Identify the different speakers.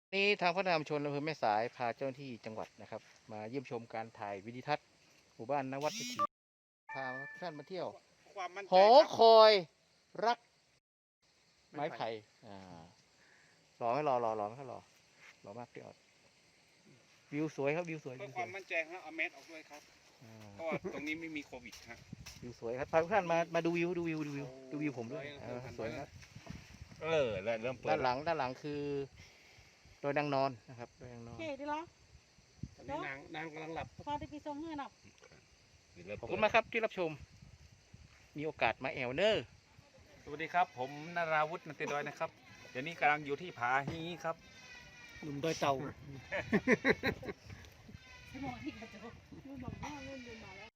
Speaker 1: นี้ทางพัฒนาชุมชนอำเภอแม่สายพาเจ้าหน้าที่จังหวัดนะครับ มาเยี่ยมชมการถ่ายวิดีทัศน์หมู่บ้านนวัดวิถีพาทุกท่านมาเที่ยว
Speaker 2: ความมั่นใจ
Speaker 1: หอ
Speaker 2: ครับ
Speaker 1: คอยรักไม้ไผ่รอไหม่รอไม่ค่อยรอมากพี่ออดวิวสวยครับวิวสวย
Speaker 2: เพื่
Speaker 1: วิ
Speaker 2: อ
Speaker 1: ว
Speaker 2: ค
Speaker 1: สว
Speaker 2: วาย มมั่นใจครับเอาแมสออกด้วยครับ
Speaker 1: อ่า
Speaker 2: เพราะว่าตรงนี้ไม่มีโควิดฮะ
Speaker 1: วิวสวยครับพาทุกท่านมาดูวิวดูวิวผมด้วยสวยครับ
Speaker 2: เริ่มเปิด
Speaker 1: ด้านหลังคือดอยนางนอนนะครับดอยนางนอน
Speaker 3: เก๋ดีเหรอ
Speaker 2: ตอนนี้นางกำลังหลับ
Speaker 3: พอได้ไปส่งเงินเนาะ
Speaker 1: ขอบคุณมากครับที่รับชม มีโอกาสมาแอลเนอร์
Speaker 4: สวัสดีครับ ผมนาราวุฒินันติดอยนะครับ เดี๋ยวนี้กำลังอยู่ที่ผาฮีครับ
Speaker 1: หนุ่มดอยเต่า
Speaker 3: สมองที่กระจกมึงบอกว่าเล่นดูมาแล้ว